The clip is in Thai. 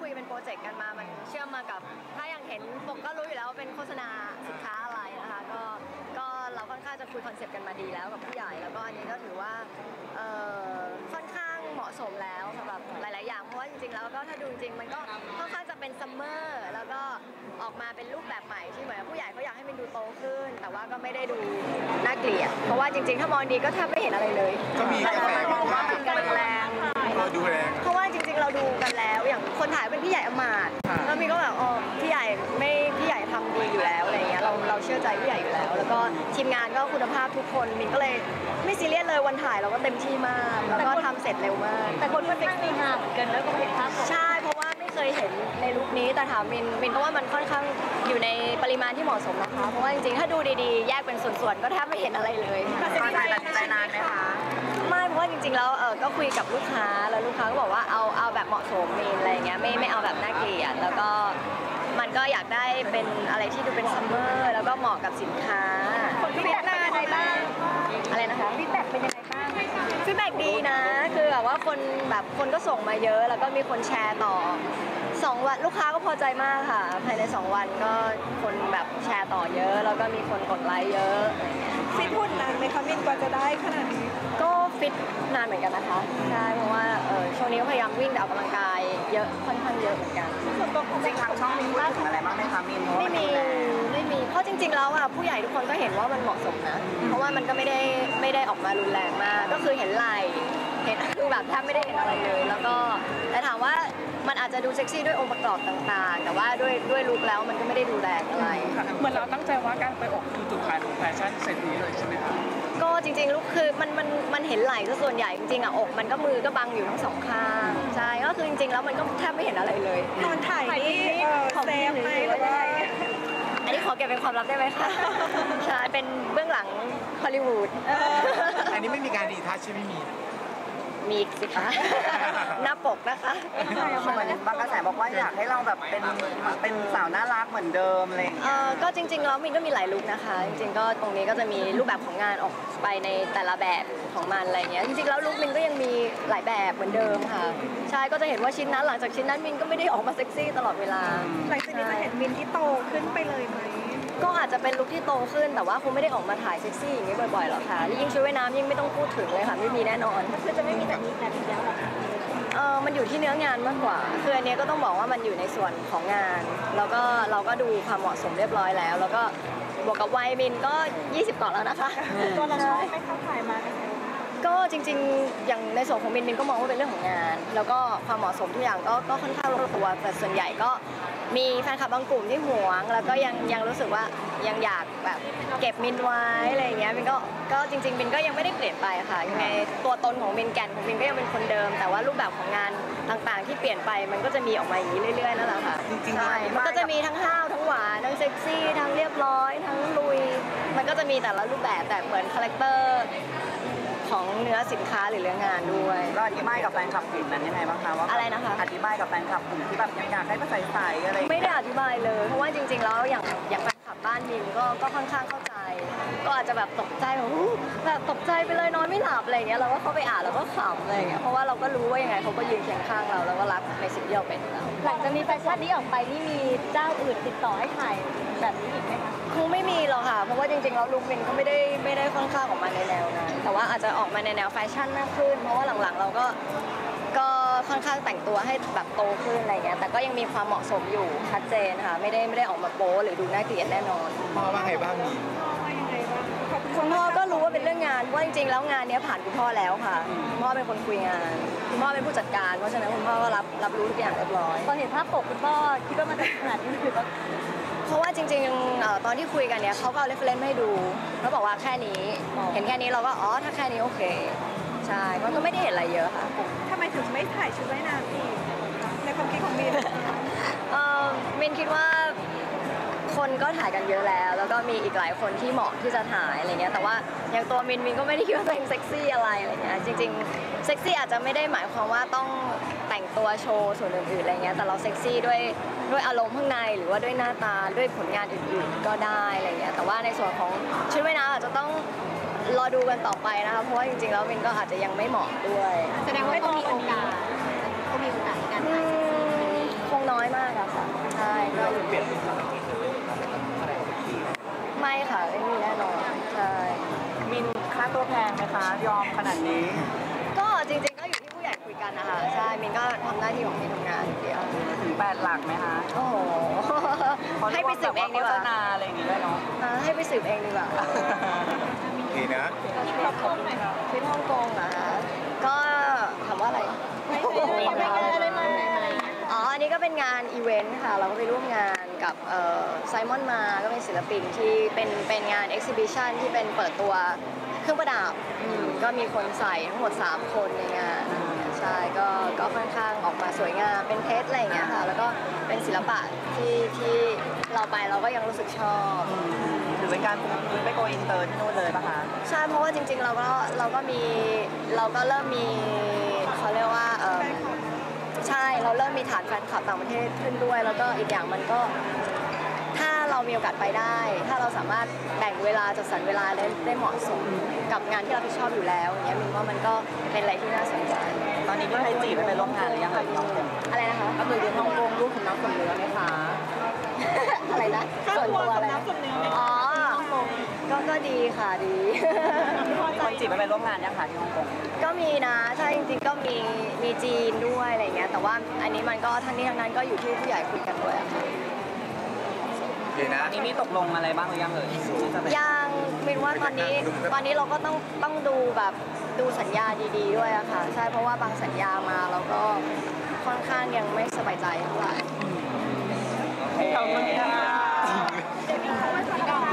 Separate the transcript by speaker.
Speaker 1: คุยเป็นโปรเจกต์กันมามันเชื่อมมากับถ้าอย่างเห็นปกก็รู้อยู่แล้วว่าเป็นโฆษณาสินค้าอะไรนะคะก็เราค่อนข้างจะคุยคอนเซปต์กันมาดีแล้วกับผู้ใหญ่แล้วก็อันนี้ก็ถือว่าค่อนข้างเหมาะสมแล้วสำหรับหลายๆอย่างเพราะว่าจริงๆแล้วก็ถ้าดูจริงมันก็ค่อนข้างจะเป็นซัมเมอร์แล้วก็ออกมาเป็นรูปแบบใหม่ที่เหมือนผู้ใหญ่เขาอยากให้มันดูโตขึ้นแต่ว่าก็ไม่ได้ดูน่าเกลียดเพราะว่าจริงๆถ้ามองดีก็แทบไม่เห็นอะไรเลย
Speaker 2: ก็มีกระแสมองว่า
Speaker 1: กันแรง
Speaker 2: ดูแรง
Speaker 1: เพราะว่าจริงๆเราดูกันแล้วอย่างคนถ่ายเป็นพี่ใหญ่อมาตย์แล้วมีก็แบบอ๋อพี่ใหญ่ทำดีอยู่แล้วอะไรเงี้ยเราเชื่อใจพี่ใหญ่อยู่แล้วแล้วก็ทีมงานก็คุณภาพทุกคนมินก็เลยไม่ซีเรียสเลยวันถ่ายเราก็เต็มที่มากแล้วก็ทำเสร็จเร็วมาก
Speaker 3: แต่คนก็เซ็กซี่มากเหมือนกันแล้วก็เห็นภาพ
Speaker 1: ใช่เพราะว่าไม่เคยเห็นในลุคนี้แต่ถามมินก็ว่ามันค่อนข้างอยู่ในปริมาณที่เหมาะสมนะคะเพราะว่าจริงๆถ้าดูดีๆแยกเป็นส่วนๆก็แทบไม่เห็นอะไรเลย
Speaker 3: ตัดสินใจนานไหมคะ
Speaker 1: ไม่เพราะว่าจริงๆแล้วก็คุยกับลูกค้าแล้วลูกค้าก็บอกว่าเอาแบบเหมาะสมมินอะไรเงี้ยไม่เอาแบบน่าเกลียดแล้วก็มันก็อยากได้เป็นอะไรที่ดูเป็นซัมเมอร์แล้วก็เหมาะกับสินค้า
Speaker 3: ฟีดแบ็กเป็นยังไงบ้าง
Speaker 1: อะไรนะคะ
Speaker 3: ฟีดแบ็กเป็นยังไงบ้าง
Speaker 1: ฟีดแบ็กดีนะคือแบบว่าคนก็ส่งมาเยอะแล้วก็มีคนแชร์ต่อ2 วันลูกค้าก็พอใจมากค่ะภายใน2 วันก็คนแบบแชร์ต่อเยอะแล้วก็มีคนกดไลค์เยอะ
Speaker 3: ฟิตหุ่นนานไหมคะมินกว่าจะได้ขนาดนี้
Speaker 1: ก็ฟิตนานเหมือนกันนะคะใช่เพราะว่าช่วงนี้ก็พยายามวิ่งออกกำลังกายเยอะค่อนข้างเยอะเหมือนกัน
Speaker 3: ส่วนตัวของจริงทางช่องมีพูดถึงอะไรบ้างไหมคะมิน
Speaker 1: ไม่มีเพราะจริงๆแล้วผู้ใหญ่ทุกคนก็เห็นว่ามันเหมาะสมนะเพราะว่ามันก็ไม่ได้ออกมารุนแรงมากก็คือเห็นไหล่เห็นคือแบบแทบไม่ได้เห็นอะไรเลยแล้วก็แต่ถามว่ามันอาจจะดูเซ็กซี่ด้วยองค์ประกอบต่างๆแต่ว่าด้วยลุคแล้วมันก็ไม่ได้ดูแรงอะไร
Speaker 2: เหมือนเราตั้งใจว่าการไปออกคือจุดขายของแฟชั่นเซตนี้เลยใช่ไหมคะ
Speaker 1: ก็จริงๆลุคคือมันเห็นไหล่ซะส่วนใหญ่จริงๆอกมันก็มือก็บังอยู่ทั้ง2 ข้างใช่ก็คือจริงๆแล้วมันก็แทบไม่เห็นอะไรเลย
Speaker 3: ตอนถ่ายนี่เซฟไหมหรือว่า
Speaker 1: อันนี้ขอเก็บเป็นความลับได้ไหมคะใช่เป็นเบื้องหลังฮอลลีวูด
Speaker 2: อันนี้ไม่มีการรีทัชใช่ไหม
Speaker 1: มีสิคะหน้าปกนะคะ
Speaker 3: บางกระแสบอกว่าอยากให้เราแบบเป็นสาวน่ารักเหมือนเดิมอะไรอย่างเงี้ย
Speaker 1: ก็จริงๆแล้วมินก็มีหลายลุคนะคะจริงๆก็ตรงนี้ก็จะมีรูปแบบของงานออกไปในแต่ละแบบของมันอะไรเงี้ยจริงๆแล้วลุคมินก็ยังมีหลายแบบเหมือนเดิมค่ะใช่ก็จะเห็นว่าชิ้นนั้นหลังจากชิ้นนั้นมินก็ไม่ได้ออกมาเซ็กซี่ตลอดเวลา
Speaker 3: หลังจากนี้จะเห็นมินที่โตขึ้นไปเลยไหม
Speaker 1: ก็อาจจะเป็นลุคที่โตขึ้นแต่ว่าคงไม่ได้ออกมาถ่ายเซ็กซี่อย่างนี้บ่อยๆหรอกค่ะยิ่งชุดว่ายน้ำยิ่งไม่ต้องพูดถึงเลยค่ะไม่มีแน่นอน
Speaker 3: คือจะไม่มีแต่นี้แต่ทีเดียวหรอ
Speaker 1: มันอยู่ที่เนื้องานมากกว่าคืออันนี้ก็ต้องบอกว่ามันอยู่ในส่วนของงานแล้วก็เราก็ดูความเหมาะสมเรียบร้อยแล้วแล้วก็บวกกับวัยมินก็20 ก่อนแล้วนะคะ
Speaker 3: ตัวเราชอบไปเข้าถ่ายมา
Speaker 1: ก็จริงๆอย่างในส่วนของมินก็มองว่าเป็นเรื่องของงานแล้วก็ความเหมาะสมทุกอย่างก็ค่อนข้างลงตัวแต่ส่วนใหญ่ก็มีแฟนคลับบางกลุ่มที่หวงแล้วก็ยังรู้สึกว่ายังอยากแบบเก็บมินไว้อะไรอย่างเงี้ยมินก็จริงๆมินก็ยังไม่ได้เปลี่ยนไปค่ะยังไงตัวตนของมินแก่นของมินก็ยังเป็นคนเดิมแต่ว่ารูปแบบของงานต่างๆที่เปลี่ยนไปมันก็จะมีออกมาอย่างนี้เรื่อยๆนั่นแหละค่ะใช่มันก็จะมีทั้งห้าวทั้งหวานทั้งเซ็กซี่ทั้งเรียบร้อยทั้งลุยมันก็จะมีแต่ละรูปแบบแต่เหมือนคาแรคเตอร์ของเนื้อสินค้าหรือเรื่องงานด้วย
Speaker 3: ก็อธิบายกับแฟนคลับกลุ่มนั้นยังไงบ้างคะว่า
Speaker 1: อะไรนะคะ
Speaker 3: อธิบายกับแฟนคลับกลุ่มที่แบบอยากให้มาใส่อะไร
Speaker 1: ไม่ได้อธิบายเลยเพราะว่าจริงๆแล้วอย่างแฟนคลับบ้านมินก็ค่อนข้างเข้าใจก็อาจจะแบบตกใจแบบตกใจไปเลยนอนไม่หลับอะไรอย่างเงี้ยเราก็เข้าไปอ่านแล้วก็ขำอะไรอย่างเงี้ยเพราะว่าเราก็รู้ว่ายังไงเขาก็ยืนเคียงข้างเราแล้วก็รักในสิ่งที่เราเป็นแล้ว
Speaker 3: หลังจากมีแฟชั่นนี้ออกไปนี่มีเจ้าอื่นติดต่อให้ถ่ายแบบนี้อีกไหมคะ
Speaker 1: คงไม่มีหรอกค่ะเพราะว่าจริงๆแล้วลุคมินก็ไม่ได้ค่อนข้างออกมาในแนวนั้นแต่ว่าอาจจะออกมาในแนวแฟชั่นมากขึ้นเพราะว่าหลังๆเราก็ค่อนข้างแต่งตัวให้แบบโตขึ้นอะไรเงี้ยแต่ก็ยังมีความเหมาะสมอยู่ชัดเจนค่ะไม่ได้ออกมาโป๊หรือดูน่าเกลียดแน่นอน
Speaker 2: พ่อว่าไงบ้าง
Speaker 1: คุณพ่อก็รู้ว่าเป็นเรื่องงานว่าจริงๆแล้วงานนี้ผ่านคุณพ่อแล้วค่ะคุณพ่อเป็นคนคุยงานคุณพ่อเป็นผู้จัดการเพราะฉะนั้นคุณพ่อก็รับรู้ทุกอย่างเรียบร้อย
Speaker 3: พอเห็นภาพปกคุณพ่อคิดว่ามันจะขนาดนี้คือ
Speaker 1: เพราะว่าจริงๆตอนที่คุยกันเนี่ยเขาก็เอาเรฟเฟรนซ์ให้ดูเขาบอกว่าแค่นี้เห็นแค่นี้เราก็ถ้าแค่นี้โอเคใช่มันก็ไม่ได้เห็นอะไรเยอะค่ะ
Speaker 3: ทำไมถึงไม่ถ่ายชุดว่ายน้ำอีกในความคิดของมิน
Speaker 1: มินคิดว่าคนก็ถ่ายกันเยอะแล้วก็มีอีกหลายคนที่เหมาะที่จะถ่ายอะไรเงี้ยแต่ว่าอย่างตัวมินก็ไม่ได้คิดว่าตัวเองเซ็กซี่อะไรเงี้ยจริงๆเซ็กซี่อาจจะไม่ได้หมายความว่าต้องแต่งตัวโชว์ส่วนอื่นๆอะไรเงี้ยแต่เราเซ็กซี่ด้วยอารมณ์ข้างในหรือว่าด้วยหน้าตาด้วยผลงานอื่นๆก็ได้อะไรเงี้ยแต่ว่าในส่วนของชุดว่ายน้ำอาจจะต้องรอดูกันต่อไปนะคะเพราะว่าจริงๆแล้วมินก็อาจจะยังไม่เหมาะด้วย
Speaker 3: แสดงว่าต้องมีโอกาสในการถ่าย
Speaker 1: คงน้อยมากอะค่ะใช่ก็อยู่
Speaker 2: เปลี่ยน
Speaker 1: ไม่ค่ะไม่มีแน่นอนใช่
Speaker 3: มินค่าตัวแพงไหมคะยอมขนาดนี้
Speaker 1: ก็จริงๆก็อยู่ที่ผู้ใหญ่คุยกันนะคะใช่มินก็ทำหน้าที่ของมินทำงานอย่างเดียว
Speaker 3: ถึง8 หลักไหมคะ
Speaker 1: โอ้โหให้ไปสืบเองดีกว่า
Speaker 3: โฆษณาอะไรอย่างงี้ด้วยเนาะ
Speaker 1: ให้ไปสืบเองดีกว่า
Speaker 4: โอเคนะ
Speaker 1: ทริปฮ่องกงเหรอคะก็ถามว่าอะไรอ๋ออันนี้ก็เป็นงานอีเวนต์ค่ะเราก็ไปร่วมงานกับไซมอนมาก็เป็นศิลปินที่เป็นงานเอ็กซิบิชันที่เป็นเปิดตัวเครื่องประดับก็มีคนใส่ทั้งหมด3คนในงานใช่ก็ค่อนข้างออกมาสวยงามเป็นเพชรอะไรอย่างเงี้ยค่ะแล้วก็เป็นศิลปะที่เราไปเราก็ยังรู้สึกชอบ
Speaker 3: ถือเป็นการไปโกอินเตอร์ที่นู่นเลยปะคะ
Speaker 1: ใช่เพราะว่าจริงๆเราก็เริ่มมีเขาเรียกว่าใช่เราเริ่มมีฐานแฟนคลับต่างประเทศขึ้นด้วย แล้วก็อีกอย่างมันก็ถ้าเรามีโอกาสไปได้ ถ้าเราสามารถแบ่งเวลาจัดสรรเวลาได้เหมาะสมกับงานที่เราที่ชอบอยู่แล้วอย่างเงี้ยมินว่ามันก็เป็นอะไรที่น่าสนใจ
Speaker 3: ตอนนี้พี่ไทยจีบไปร่วมงานหรือยังเอ่ยน้องเ
Speaker 1: อะไรนะคะ
Speaker 3: ก็คือยืนฮ่องกงลูกคุณน้องคนเนื้อไหมคะ
Speaker 1: อะไรนะส่วนตัวอะไรนะอ๋อก็ดีค่ะดี
Speaker 3: คนจีบไปร่วมงานยังคะที่ฮ่องกง
Speaker 1: ก็มีนะใช่จริงๆก็มีจีนด้วยอะไรเงี้ยแต่ว่าอันนี้มันก็ทั้งนี้ทั้งนั้นก็อยู่ที่ผู้ใหญ่คุยกันด้วยอะค่ะ
Speaker 4: โอเคนะ
Speaker 3: ตอนนี้มีตกลงอะไรบ้างหรือยังเอ่ยที่จะไป
Speaker 1: ยังมินว่าตอนนี้เราก็ต้องดูแบบดูสัญญาดีๆด้วยอะค่ะใช่เพราะว่าบางสัญญามาเราก็ค่อนข้างยังไม่สบายใจเท่าไหร่
Speaker 3: ขอบคุณค่ะ